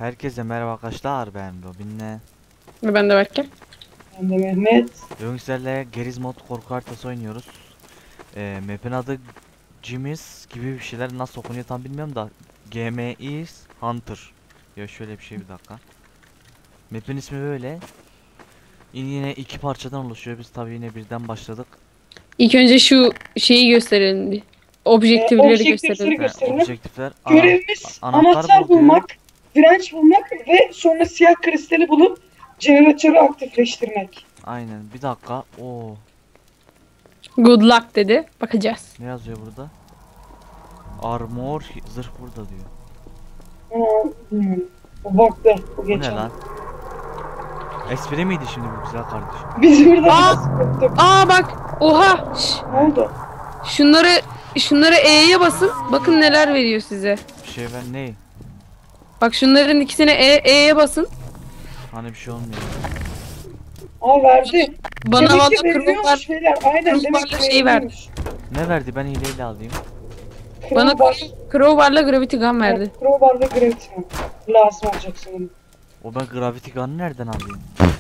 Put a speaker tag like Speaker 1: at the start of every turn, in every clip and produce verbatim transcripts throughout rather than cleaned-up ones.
Speaker 1: Herkese merhaba arkadaşlar, ben Robin'le.
Speaker 2: Ve ben de Berke.
Speaker 3: Ben de Mehmet.
Speaker 1: Bugün sizlerle Geriz mod korku haritası oynuyoruz. Ee, map'in adı Jimmy's gibi bir şeyler, nasıl okunuyor tam bilmiyorum da G M is Hunter. Ya şöyle bir şey, bir dakika. Map'in ismi böyle. Yine iki parçadan oluşuyor, biz tabi yine birden başladık.
Speaker 2: İlk önce şu şeyi gösterelim bir. Objektifleri
Speaker 3: Objektifleri
Speaker 2: gösterelim.
Speaker 1: Ha,
Speaker 3: gösterelim.
Speaker 1: objektifler, ana-
Speaker 3: Görevimiz
Speaker 1: a- anahtar
Speaker 3: anahtar
Speaker 1: bul diyor.
Speaker 3: bulmak, direnç bulmak ve sonra siyah kristali bulup jeneratörü aktifleştirmek.
Speaker 1: Aynen, bir dakika. Oo,
Speaker 2: Good luck dedi. Bakacağız.
Speaker 1: ne yazıyor burada? Armor, zırh burada diyor.
Speaker 3: Aa, bilmiyorum. O baktı. Bu
Speaker 1: Bu ne
Speaker 3: geçen.
Speaker 1: lan? Espri miydi şimdi bu güzel kardeşim?
Speaker 3: Biz burada
Speaker 2: Aa!
Speaker 3: nasıl korktuk?
Speaker 2: Aa bak. Oha. Şş,
Speaker 3: Ne oldu?
Speaker 2: şunları şunları E'ye basın. Bakın neler veriyor size.
Speaker 1: Bir şey ben ne?
Speaker 2: Bak şunların ikisine E, E'ye basın.
Speaker 1: Hani bir şey olmuyor.
Speaker 3: Aa verdi.
Speaker 2: Bana
Speaker 3: Demek
Speaker 2: valla
Speaker 3: ki veriyormuş
Speaker 2: crowbar,
Speaker 3: beyler. Aynen demek ki
Speaker 2: crowbarla şey verdi.
Speaker 3: veriyormuş.
Speaker 1: Ne verdi, ben hileyle alayım.
Speaker 2: bana
Speaker 3: Crowbar,
Speaker 2: crowbarla gravity gun verdi.
Speaker 3: evet, crowbarla gravity lazım olacak sanırım.
Speaker 1: O, ben Gravity Gun'ı nereden alayım?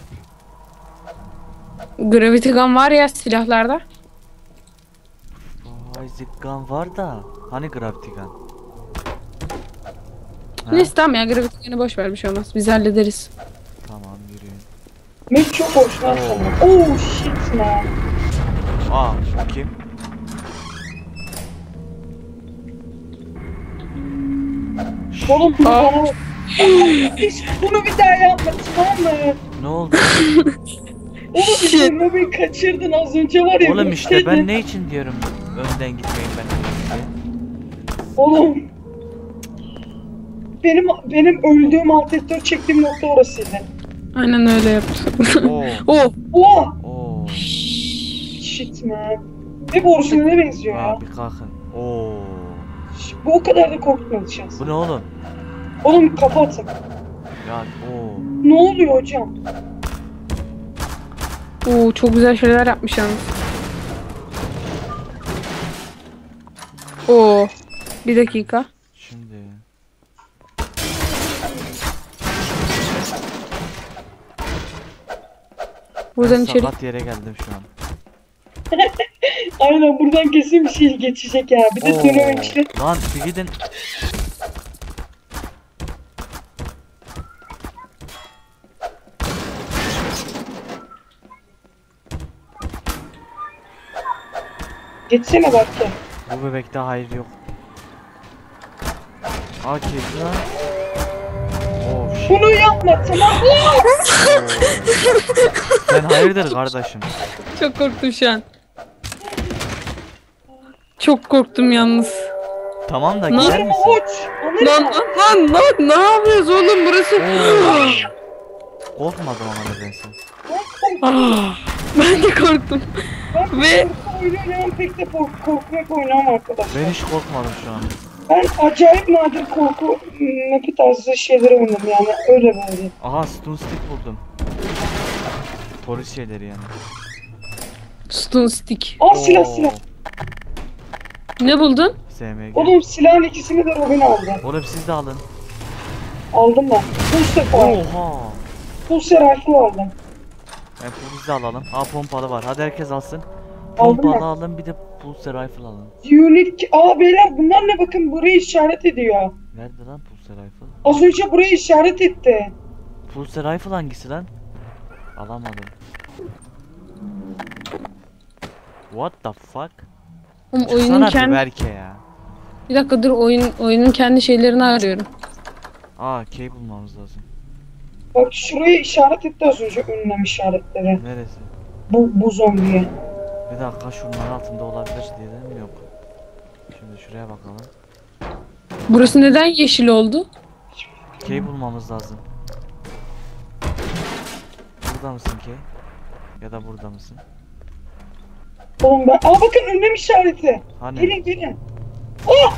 Speaker 2: Gravity gun var ya silahlarda.
Speaker 1: Basic Gun var da. Hani Gravity Gun? Ha?
Speaker 2: Neyse tamam ya, gravity gun'ı boş ver, bir şey olmaz. Biz hallederiz.
Speaker 1: Tamam, yürüyün.
Speaker 3: Mehmet çok hoşlan sanırım. Oh shit man.
Speaker 1: Aa, bu kim?
Speaker 3: Oğlum bunu
Speaker 2: Aa.
Speaker 3: bana... Hiç bunu bir daha yapma, tamam mı?
Speaker 1: Ne oldu?
Speaker 3: Oğlum işte beni kaçırdın az önce var ya.
Speaker 1: Oğlum işte ben
Speaker 3: gitseydin.
Speaker 1: ne için diyorum önden gitmeyin ben diye.
Speaker 3: Oğlum. Benim benim öldüğüm alt etör çektiğim nokta orasıydı.
Speaker 2: Aynen öyle yaptım.
Speaker 1: Oo.
Speaker 2: Oh.
Speaker 3: Oha!
Speaker 1: Oo.
Speaker 3: Shit man. Hep orijinaline benziyor ya.
Speaker 1: Aa, bir kalkın. Oo.
Speaker 3: Ş- Bu o kadar da korkutmadı şans.
Speaker 1: Bu ne oğlum?
Speaker 3: Oğlum kapatın.
Speaker 1: Ya oo.
Speaker 3: Ne oluyor hocam?
Speaker 2: Oo, çok güzel şeyler yapmış yalnız. Oo. Bir dakika.
Speaker 1: Şimdi.
Speaker 2: Buradan
Speaker 1: Ben
Speaker 2: içeri.
Speaker 1: sakat yere geldim şu an.
Speaker 3: Aynen buradan kesin bir şey geçecek ya. Bir de
Speaker 1: Oo.
Speaker 3: dönememişler.
Speaker 1: Lan bir gidin.
Speaker 3: Geçsene bak ya.
Speaker 1: Bu bebekte hayır yok. Aa, kedi lan. Oh shit.
Speaker 3: Bunu yapma tamam mı?
Speaker 1: Sen hayırdır kardeşim?
Speaker 2: Çok korktum şu an. Çok korktum yalnız.
Speaker 1: Tamam da
Speaker 2: Ne
Speaker 1: gider
Speaker 3: Anırma
Speaker 1: misin?
Speaker 3: uç.
Speaker 2: Lan
Speaker 3: Anırma.
Speaker 2: lan lan lan, ne yapıyoruz oğlum burası?
Speaker 1: Oo. Korkmadım ama nedense.
Speaker 2: Ah, ben de korktum.
Speaker 3: Ben
Speaker 2: Ve-
Speaker 3: korku oyunu oynayan pek de kork korkmak oynamam arkadaşlar.
Speaker 1: Ben hiç korkmadım şu an.
Speaker 3: Ben acayip nadir korku mapi tarzı şeyler oynadım yani öyle böyle.
Speaker 1: Aha, stun stick buldum. Polis şeyleri yani.
Speaker 2: Stun stick.
Speaker 3: Aa silah
Speaker 1: Oo.
Speaker 3: silah.
Speaker 2: Ne buldun?
Speaker 1: S M G.
Speaker 3: Oğlum silahın ikisini de Robin aldı.
Speaker 1: Oğlum siz de alın.
Speaker 3: Aldım ben. Pulse var.
Speaker 1: Oha.
Speaker 3: Pulse rifle aldım.
Speaker 1: Ben polis de alalım. Aa, pompalı var. Hadi herkes alsın.
Speaker 3: Aldım
Speaker 1: Pompalı
Speaker 3: ben.
Speaker 1: alın, bir de pulse rifle alın.
Speaker 3: Unique. Aa beyler bunlar ne bakın burayı işaret ediyor.
Speaker 1: Nerede lan pulse rifle?
Speaker 3: Az önce burayı işaret etti.
Speaker 1: Pulse rifle hangisi lan? Alamadım. What the fuck?
Speaker 2: Oğlum oyunun
Speaker 1: Çıksana bir
Speaker 2: kendi...
Speaker 1: Berke ya.
Speaker 2: Bir dakika dur, oyun oyunun kendi şeylerini arıyorum.
Speaker 1: Aa, key bulmamız lazım.
Speaker 3: Bak şurayı işaret etti az önce ünlem işaretleri.
Speaker 1: Neresi?
Speaker 3: Bu, bu zombiye.
Speaker 1: Bir dakika, şunların altında olabilir diye de mi yok? Şimdi şuraya bakalım.
Speaker 2: Burası neden yeşil oldu?
Speaker 1: Key bulmamız lazım. Burada mısın key? Ya da burada mısın?
Speaker 3: Oğlum ben... Aa bakın ünlem işareti.
Speaker 1: Hani?
Speaker 3: Gelin gelin. Oh!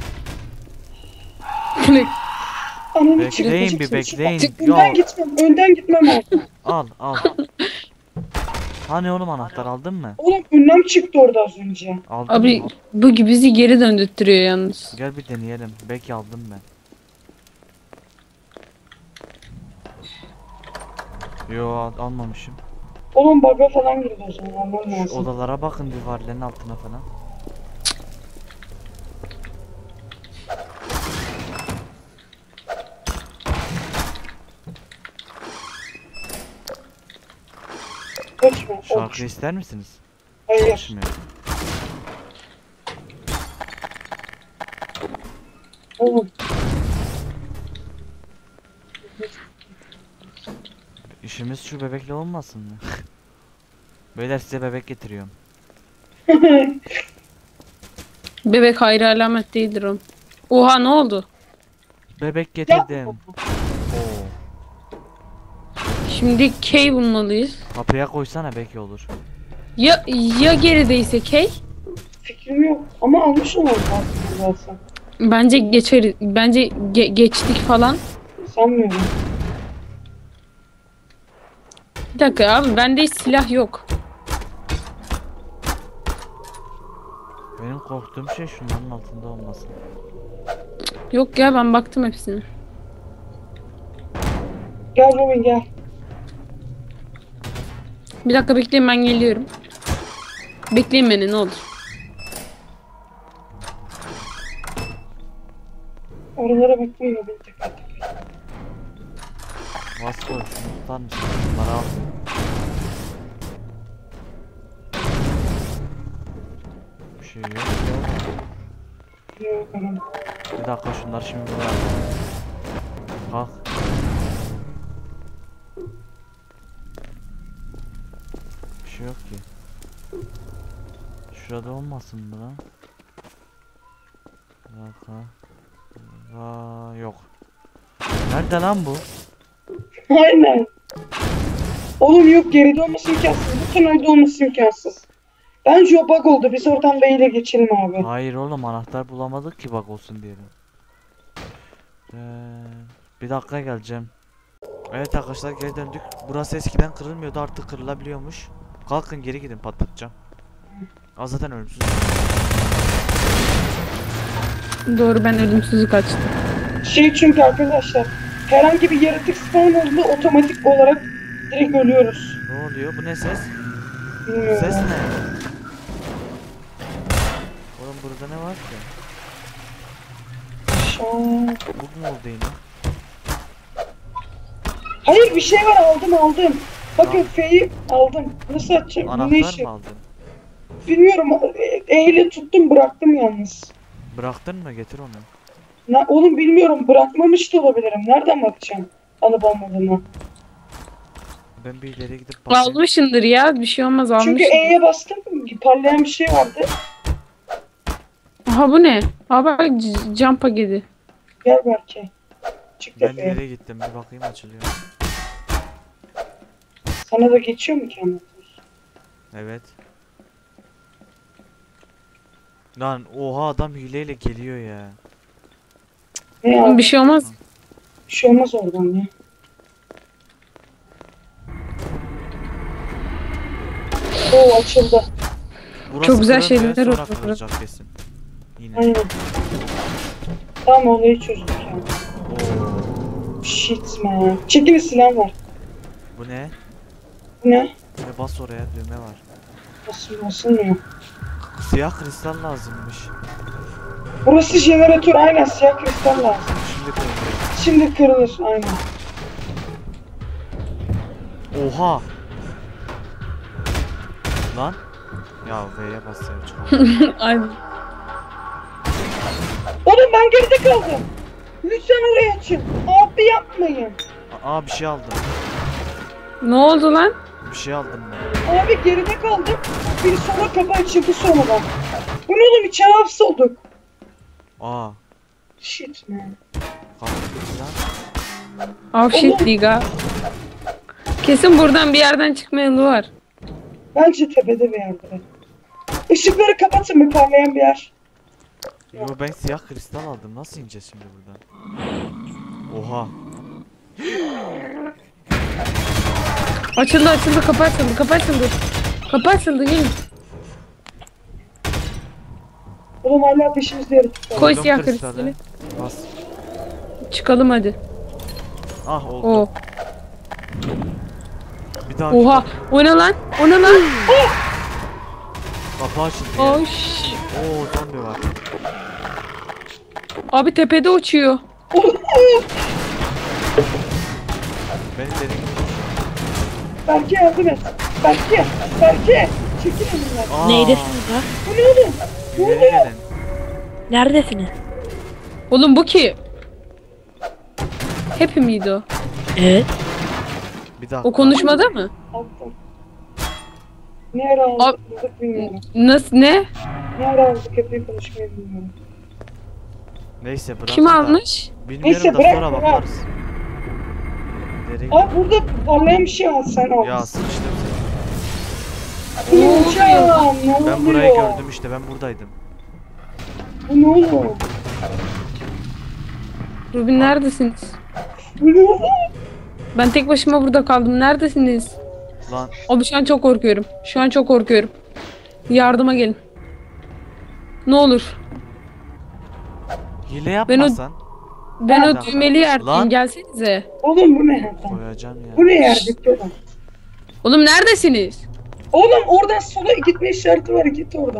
Speaker 3: Ananı
Speaker 1: Bekleyin
Speaker 3: çıktı.
Speaker 1: bir, bekleyin.
Speaker 3: Çık,
Speaker 1: Ya.
Speaker 3: önden gitmem. Önden gitmem lazım.
Speaker 1: Al al. Hani oğlum, anahtar aldın mı?
Speaker 3: Oğlum ünlem çıktı orada az önce.
Speaker 1: Aldın
Speaker 2: Abi
Speaker 1: mı?
Speaker 2: bu gibi bizi geri döndürtüyor yalnız.
Speaker 1: Gel bir deneyelim. Belki aldım ben. Yo al- almamışım.
Speaker 3: Oğlum bug'a falan girdi o zaman. Almam
Speaker 1: Şu
Speaker 3: lazım.
Speaker 1: odalara bakın duvarların altına falan.
Speaker 3: Kaçma.
Speaker 1: Şarkı ister misiniz?
Speaker 3: Hayır.
Speaker 1: Çalışmıyor.
Speaker 3: Oğlum.
Speaker 1: İşimiz şu bebekle olmasın mı? Beyler size bebek getiriyorum.
Speaker 2: Bebek hayra alamet değildir o. Oha ne oldu?
Speaker 1: Bebek getirdim. Oo.
Speaker 2: Şimdi K bulmalıyız.
Speaker 1: Kapıya koysana belki olur.
Speaker 2: Ya ya gerideyse K?
Speaker 3: Fikrim yok. Ama almış olmam lazım zaten.
Speaker 2: Bence geçeriz. Bence ge- geçtik falan.
Speaker 3: Sanmıyorum.
Speaker 2: Bir dakika abi bende hiç silah yok.
Speaker 1: Benim korktuğum şey şunların altında olması.
Speaker 2: Yok ya ben baktım hepsine.
Speaker 3: Gel Robin gel.
Speaker 2: Bir dakika bekleyin ben geliyorum. Bekleyin beni ne olur.
Speaker 3: Oralara bakmayın Robin tekrar.
Speaker 1: Vasco şunu tutar mısın? Bunları al. Bir şey yok ya.
Speaker 3: Biliyorum.
Speaker 1: Bir dakika şunları şimdi buraya. Kalk. Bir şey yok ki. Şurada olmasın mı lan? Bir dakika. Aa, yok. Nerede lan bu?
Speaker 3: Aynen. Oğlum yok geride olması imkansız. Bu tünelde olması imkansız. Bence o bug oldu. Biz oradan B ile geçelim abi.
Speaker 1: Hayır oğlum anahtar bulamadık ki bak olsun diyelim. Ee, bir dakika geleceğim. Evet arkadaşlar geri döndük. Burası eskiden kırılmıyordu artık kırılabiliyormuş. Kalkın geri gidin patlatacağım. Aa, zaten ölümsüz.
Speaker 2: Doğru ben ölümsüzlük açtım.
Speaker 3: Şey çünkü arkadaşlar herhangi bir yaratık spawn olduğunda otomatik olarak direkt ölüyoruz.
Speaker 1: Ne oluyor? Bu ne ses?
Speaker 3: Bilmiyorum.
Speaker 1: Ses ne? Oğlum burada ne var ki?
Speaker 3: Aşağı.
Speaker 1: Bug mu oldu yine?
Speaker 3: Hayır bir şey var aldım aldım. Bakın
Speaker 1: Tamam.
Speaker 3: F'yi aldım. Nasıl açacağım? Bu ne
Speaker 1: Anahtar
Speaker 3: işi?
Speaker 1: mı aldın?
Speaker 3: Bilmiyorum. E, E ile tuttum bıraktım yalnız.
Speaker 1: Bıraktın mı? Getir onu.
Speaker 3: Na, oğlum bilmiyorum bırakmamış da olabilirim. Nereden bakacağım? Alıp almadığımı.
Speaker 1: Ben bir ileri gidip bakayım.
Speaker 2: Almışındır ya bir şey olmaz
Speaker 3: Çünkü
Speaker 2: almışındır.
Speaker 3: E'ye bastım. Parlayan bir şey vardı.
Speaker 2: Aha bu ne? Aa bak c- jump paketi.
Speaker 3: Gel belki. Çık
Speaker 1: Ben
Speaker 3: tepeye.
Speaker 1: ileri gittim bir bakayım açılıyor.
Speaker 3: Sana da geçiyor mu ki anlatır?
Speaker 1: Evet. Lan oha adam hileyle geliyor ya.
Speaker 3: Ne ya?
Speaker 2: Bir şey olmaz.
Speaker 3: Bir şey olmaz oradan ya. Oo açıldı.
Speaker 1: Burası
Speaker 2: Çok güzel
Speaker 1: kırılmıyor,
Speaker 2: şeyler
Speaker 1: sonra
Speaker 2: oldu.
Speaker 1: kırılacak kesin. Yine.
Speaker 3: Aynen. Tamam olayı çözdük ya.
Speaker 1: Oo.
Speaker 3: Shit man. Çekil silah var.
Speaker 1: Bu ne?
Speaker 3: Bu ne?
Speaker 1: Ve bas oraya düğme var.
Speaker 3: Nasıl basılmıyor?
Speaker 1: Siyah kristal lazımmış.
Speaker 3: Burası jeneratör aynen siyah kristal lazım.
Speaker 1: Şimdi kırılıyor.
Speaker 3: Şimdi kırılır aynen.
Speaker 1: Oha. Lan. Ya V'ye bas ya çıkar.
Speaker 2: Ay,
Speaker 3: Oğlum ben geride kaldım. Lütfen oraya açın. Abi yapmayın.
Speaker 1: Aa bir şey aldım.
Speaker 2: ne oldu lan?
Speaker 1: Bir şey aldım ben.
Speaker 3: Abi geride kaldım. Bir sonra kapı açıldı sonradan. Bu ne oğlum içeri hapsolduk.
Speaker 1: Aa.
Speaker 3: Shit man.
Speaker 1: Kalktı lan.
Speaker 2: Oh shit
Speaker 3: Oğlum.
Speaker 2: diga. Kesin buradan bir yerden çıkma yolu var.
Speaker 3: Bence tepede bir yerde. Işıkları kapatın bir parlayan bir yer.
Speaker 1: Yo ben siyah kristal aldım. Nasıl ineceğiz şimdi buradan? Oha.
Speaker 2: Açıldı açıldı kapı açıldı kapı açıldı. Kapı açıldı gelin.
Speaker 3: Oğlum hala peşimizde yaratık var.
Speaker 2: Koy
Speaker 1: Koydum
Speaker 2: siyah
Speaker 1: kristali.
Speaker 2: kristali.
Speaker 1: Bas.
Speaker 2: Çıkalım hadi.
Speaker 1: Ah oldu.
Speaker 2: O.
Speaker 1: Bir daha
Speaker 2: Oha. O ne lan? O ne lan?
Speaker 1: kapı açıldı. ya.
Speaker 2: Oş.
Speaker 1: Oo zombi var.
Speaker 2: Abi tepede uçuyor.
Speaker 1: Beni derin.
Speaker 3: Belki yardım et. Belki. Belki. Çekil elimden.
Speaker 1: Aa,
Speaker 4: Neydesiniz ha?
Speaker 3: Bu ne oğlum? Ne
Speaker 1: ileri
Speaker 3: oluyor?
Speaker 1: gelin.
Speaker 4: Neredesiniz?
Speaker 2: Oğlum bu ki. Happy miydi o?
Speaker 4: Evet.
Speaker 1: Bir dakika.
Speaker 2: O konuşmada mı?
Speaker 3: Aldım. Ne ara aldık bilmiyorum.
Speaker 2: Nasıl ne?
Speaker 3: Ne ara aldık hep konuşmayı bilmiyorum.
Speaker 1: Neyse bırak.
Speaker 2: Kim
Speaker 1: da.
Speaker 2: almış?
Speaker 1: Bilmiyorum
Speaker 3: Neyse,
Speaker 1: da
Speaker 3: bırak,
Speaker 1: sonra
Speaker 3: bırak.
Speaker 1: bakarız. Nereye?
Speaker 3: Abi burada parlayan bir şey al sen al.
Speaker 1: Ya sıçtım seni.
Speaker 3: Ne hocam? Ne oluyor?
Speaker 1: Ben burayı gördüm işte, ben buradaydım.
Speaker 3: Bu ne oğlum?
Speaker 2: Rubin neredesiniz?
Speaker 3: Bu ne oğlum?
Speaker 2: Ben tek başıma burada kaldım. Neredesiniz?
Speaker 1: Lan
Speaker 2: Abi şu an çok korkuyorum. Şu an çok korkuyorum. Yardıma gelin. Ne olur.
Speaker 1: hile
Speaker 2: Ben o-
Speaker 1: yapmasan
Speaker 2: Ben
Speaker 1: Bir
Speaker 2: o
Speaker 1: dakika.
Speaker 2: düğmeli yerdeyim.
Speaker 1: Lan.
Speaker 2: Gelsenize.
Speaker 3: Oğlum bu ne ya?
Speaker 1: koyacağım ya.
Speaker 3: Bu ne yerdeki oğlum?
Speaker 2: Oğlum neredesiniz?
Speaker 3: Oğlum oradan sola gitme işareti var, git oradan.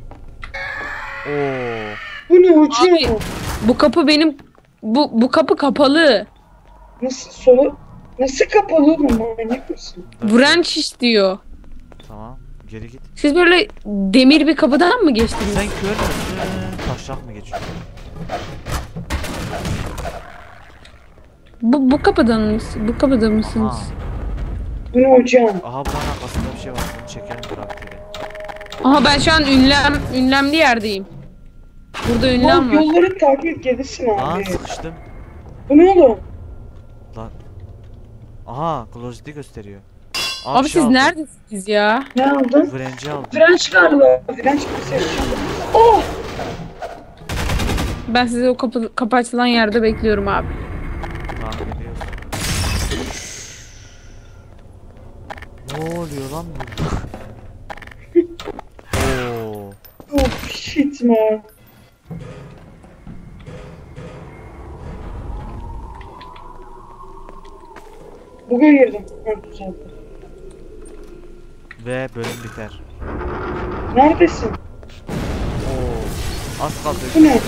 Speaker 1: Oo.
Speaker 3: Bu ne hocam?
Speaker 2: Abi. Bu kapı benim... Bu, bu kapı kapalı.
Speaker 3: Nasıl sola? Nasıl kapalı oğlum? Manyak mısın?
Speaker 2: Branch istiyor.
Speaker 1: Tamam. Geri git.
Speaker 2: Siz böyle demir bir kapıdan mı geçtiniz?
Speaker 1: Sen kör müsün? Taşak mı geçiyorsun?
Speaker 2: Bu, bu kapıdan mısınız? Bu kapıda mısınız?
Speaker 1: Aha.
Speaker 3: Bu ne hocam?
Speaker 1: Aha buranın arkasında bir şey var. Bunu çekelim bırak dedi.
Speaker 2: Aha ben şu an ünlem, ünlemli yerdeyim. Burada ünlem
Speaker 3: Oğlum
Speaker 2: var.
Speaker 3: yolları takip et gelirsin
Speaker 1: Lan
Speaker 3: abi.
Speaker 1: sıkıştım.
Speaker 3: Bu ne oğlum?
Speaker 1: Lan. Aha closet'i gösteriyor. Aa,
Speaker 2: Abi
Speaker 1: bir şey
Speaker 2: siz
Speaker 1: aldım.
Speaker 2: neredesiniz ya?
Speaker 3: Ne aldın?
Speaker 1: Frenci aldım.
Speaker 3: French galiba. French bir şey. Oh!
Speaker 2: Ben sizi o kapı, kapı açılan yerde bekliyorum abi.
Speaker 1: Tahmin ediyorsun. Ne oluyor lan burada? Oo.
Speaker 3: Oh shit man. Bug'a girdim. Ha, güzel.
Speaker 1: Ve bölüm biter.
Speaker 3: Neredesin?
Speaker 1: Oo. Az kaldı.
Speaker 3: Bu ne?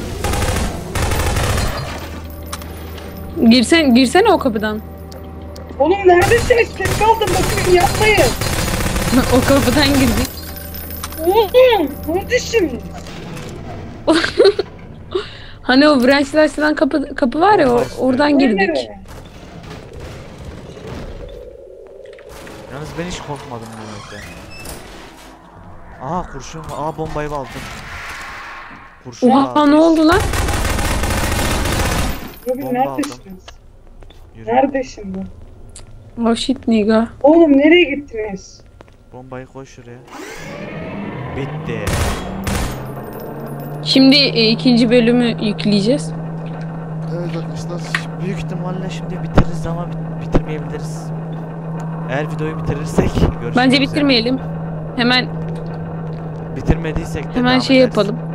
Speaker 2: Girsen, girsene o kapıdan.
Speaker 3: Oğlum neredesiniz? Tek kaldım bakın yapmayın.
Speaker 2: O kapıdan girdik.
Speaker 3: Oğlum neredesiniz?
Speaker 2: Hani o branch'la açılan kapı, kapı var ya o- oradan
Speaker 3: Bu
Speaker 2: girdik.
Speaker 3: nereye?
Speaker 1: Yalnız ben hiç korkmadım bu yönde. Aha kurşun. Aa bombayı aldım. Kurşun
Speaker 2: Oha
Speaker 1: aldım.
Speaker 2: ne oldu lan?
Speaker 3: Robin
Speaker 1: Bomba
Speaker 3: neredesiniz?
Speaker 1: Yürü.
Speaker 3: Neredesin bu?
Speaker 2: Oh shit nigga.
Speaker 3: Oğlum nereye gittiniz?
Speaker 1: Bombayı koy şuraya. Bitti.
Speaker 2: Şimdi e, ikinci bölümü yükleyeceğiz.
Speaker 1: Evet arkadaşlar. Büyük ihtimalle şimdi bitiririz ama bit- bitirmeyebiliriz. Eğer videoyu bitirirsek görüşmek
Speaker 2: Bence
Speaker 1: üzere.
Speaker 2: bitirmeyelim. Hemen
Speaker 1: Bitirmediysek de
Speaker 2: hemen
Speaker 1: devam
Speaker 2: şey
Speaker 1: ederiz.
Speaker 2: yapalım.